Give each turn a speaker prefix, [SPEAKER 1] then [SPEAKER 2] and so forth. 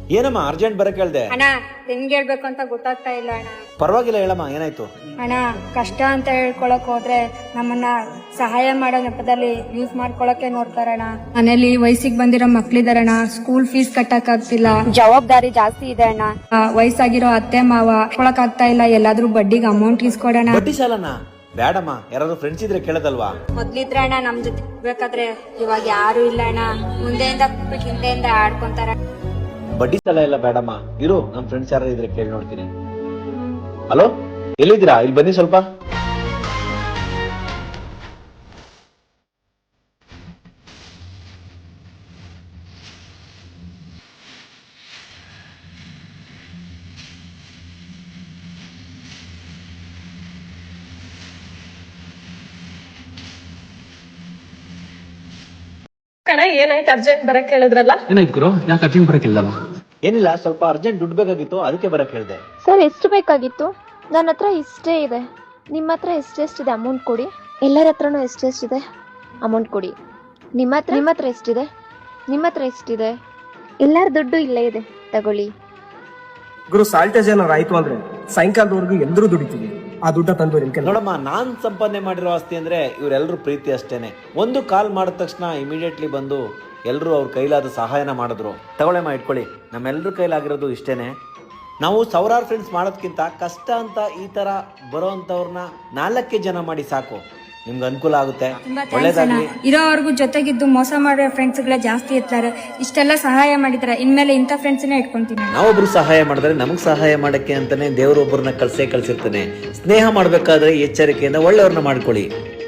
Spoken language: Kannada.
[SPEAKER 1] ಏನಮ್ಮ ಅರ್ಜೆಂಟ್ ಬರಕ್ ಹೇಳ್ದೆ?
[SPEAKER 2] ಅಣ್ಣ ಹೆಂಗ್ ಹೇಳ್ಬೇಕು ಅಂತ ಗೊತ್ತಾಗ್ತಾ ಇಲ್ಲ ಅಣ್ಣ.
[SPEAKER 1] ಪರವಾಗಿಲ್ಲ ಹೇಳಮ್ಮ, ಏನಾಯ್ತು?
[SPEAKER 2] ಅಣ್ಣ ಕಷ್ಟ ಅಂತ ಹೇಳ್ಕೊಳಕ್ ಹೋದ್ರೆ ನಮ್ಮನ್ನ ಸಹಾಯ ಮಾಡೋ ನೆಪದಲ್ಲಿ ಯೂಸ್ ಮಾಡ್ಕೊಳಕ್ಕೆ ನೋಡ್ತಾರಣ್ಣ. ಮನೇಲಿ ವಯಸ್ಸಿಗೆ ಬಂದಿರೋ ಮಕ್ಳಿದಾರಣ್ಣ, ಸ್ಕೂಲ್ ಫೀಸ್ ಕಟ್ಟಕ್ ಆಗ್ತಿಲ್ಲ, ಜವಾಬ್ದಾರಿ ಜಾಸ್ತಿ ಇದೆ ಅಣ್ಣ. ವಯಸ್ಸಾಗಿರೋ ಅತ್ತೆ ಮಾವ ಕೊಳಕ್ ಆಗ್ತಾ ಇಲ್ಲ, ಎಲ್ಲಾದ್ರೂ ಬಡ್ಡಿಗೆ ಅಮೌಂಟ್ ಇಸ್ಕೊಡೋಣ.
[SPEAKER 1] ಬಡ್ಡಿ ಸಾಲನ? ಬೇಡಮ್ಮ, ಯಾರಾದ್ರೂ ಫ್ರೆಂಡ್ಸ್ ಇದ್ರೆ ಕೇಳೋದಲ್ವಾ?
[SPEAKER 2] ಮೊದ್ಲಿದ್ರೆ ಅಣ್ಣ ನಮ್ ಜೊತೆ ಬೇಕಾದ್ರೆ, ಇವಾಗ ಯಾರು ಇಲ್ಲ ಅಣ್ಣ. ಮುಂದೆಯಿಂದ ಹಿಂದೆಯಿಂದ ಆಡ್ಕೊಂತಾರ.
[SPEAKER 1] ಬಡ್ಡಿ ಸಾಲ ಎಲ್ಲ ಬೇಡಮ್ಮ, ಇರು, ನಮ್ ಫ್ರೆಂಡ್ಸ್ ಯಾರು ಇದ್ರೆ ಕೇಳಿ ನೋಡ್ತೀನಿ. ಹಲೋ, ಎಲ್ಲಿದ್ದೀರಾ? ಇಲ್ಲಿ ಬನ್ನಿ ಸ್ವಲ್ಪ.
[SPEAKER 3] ಕಣ ಏನಾಯ್ತು? ಅರ್ಜೆಂಟ್ ಬರಕ್ ಹೇಳಿದ್ರಲ್ಲ?
[SPEAKER 4] ಏನಾಯ್ತು ಗುರು, ಯಾಕೆ ಅರ್ಜೆಂಟ್ ಬರಕ್ಕಿಲ್ಲಲ್ಲ?
[SPEAKER 1] ಏನಿಲ್ಲ, ಸ್ವಲ್ಪ ಅರ್ಜೆಂಟ್ ದುಡ್ಡು ಬೇಕಾಗಿತ್ತು, ಅದಕ್ಕೆ ಬರಕ್ ಹೇಳ್ದೆ.
[SPEAKER 5] ಸರ್ ಎಷ್ಟು ಬೇಕಾಗಿತ್ತು? ನನ್ನ ಹತ್ರ ಇಷ್ಟೇ ಇದೆ. ನಿಮ್ಮ ಹತ್ರ ಎಷ್ಟೆಷ್ಟಿದೆ ಅಮೌಂಟ್ ಕೊಡಿ. ಎಲ್ಲರ ಹತ್ರನೂ ಎಷ್ಟೆಷ್ಟಿದೆ ಅಮೌಂಟ್ ಕೊಡಿ. ನಿಮ್ಮ ಹತ್ರ ಎಷ್ಟಿದೆ? ನಿಮ್ಮ ಹತ್ರ ಎಷ್ಟಿದೆ? ಎಲ್ಲರ ದುಡ್ಡು ಇಲ್ಲೇ ಇದೆ, ತಗೊಳ್ಳಿ.
[SPEAKER 6] ಗುರು, ಸಾಲ್ಟೇಜ್ ಏನಾರು ಆಯ್ತು ಅಂದ್ರೆ ಸಾಯಂಕಾಲದವರೆಗೂ ಎಲ್ಲರೂ ದುಡಿತೀವಿ. ಆ ದುಡ್ಡ ತಂದು ನಿಮ್ ಕೈ
[SPEAKER 1] ನೋಡಮ್ಮ, ನಾನ್ ಸಂಪಾದನೆ ಮಾಡಿರೋ ಆಸ್ತಿ ಅಂದ್ರೆ ಇವರೆಲ್ಲರೂ ಪ್ರೀತಿ ಅಷ್ಟೇನೆ. ಒಂದು ಕಾಲ್ ಮಾಡಿದ ತಕ್ಷಣ ಇಮಿಡಿಯೇಟ್ಲಿ ಬಂದು ಎಲ್ಲರೂ ಅವ್ರ ಕೈಲಾದ ಸಹಾಯನ ಮಾಡಿದ್ರು. ತಗೊಳ್ಳೆಮ್ಮ, ಇಟ್ಕೊಳ್ಳಿ. ನಮ್ಮೆಲ್ಲರ ಕೈಲಾಗಿರೋದು ಇಷ್ಟೇನೆ. ನಾವು ಸಾವಿರಾರು ಫ್ರೆಂಡ್ಸ್ ಮಾಡೋದ್ಕಿಂತ ಕಷ್ಟ ಅಂತ ಈ ತರ ಬರೋ ಅಂತವ್ರನ್ನ 4 ಜನ ಮಾಡಿ ಸಾಕು, ನಿಮ್ಗೆ ಅನುಕೂಲ ಆಗುತ್ತೆ. ಒಳ್ಳೇದಾಗ್ಲಿ.
[SPEAKER 2] ಇರೋವರೆಗೂ ಜೊತೆಗಿದ್ದು ಮೋಸ ಮಾಡೋ ಫ್ರೆಂಡ್ಸ್ ಗಳೇ ಜಾಸ್ತಿ ಇರ್ತಾರೆ. ಇಷ್ಟೆಲ್ಲ ಸಹಾಯ ಮಾಡಿದ್ರೆ ಇನ್ಮೇಲೆ ಇಂಥ ಫ್ರೆಂಡ್ಸ್ನೇ ಇಟ್ಕೊಂತೀನಿ.
[SPEAKER 1] ನಾವೊಬ್ರು ಸಹಾಯ ಮಾಡಿದ್ರೆ ನಮಗ್ ಸಹಾಯ ಮಾಡಕ್ಕೆ ಅಂತಾನೆ ದೇವ್ರೊಬ್ಬರನ್ನ ಕಳ್ಸಿರ್ತಾನೆ. ಸ್ನೇಹ ಮಾಡ್ಬೇಕಾದ್ರೆ ಎಚ್ಚರಿಕೆಯಿಂದ ಒಳ್ಳೆಯವ್ರನ್ನ ಮಾಡ್ಕೊಳ್ಳಿ.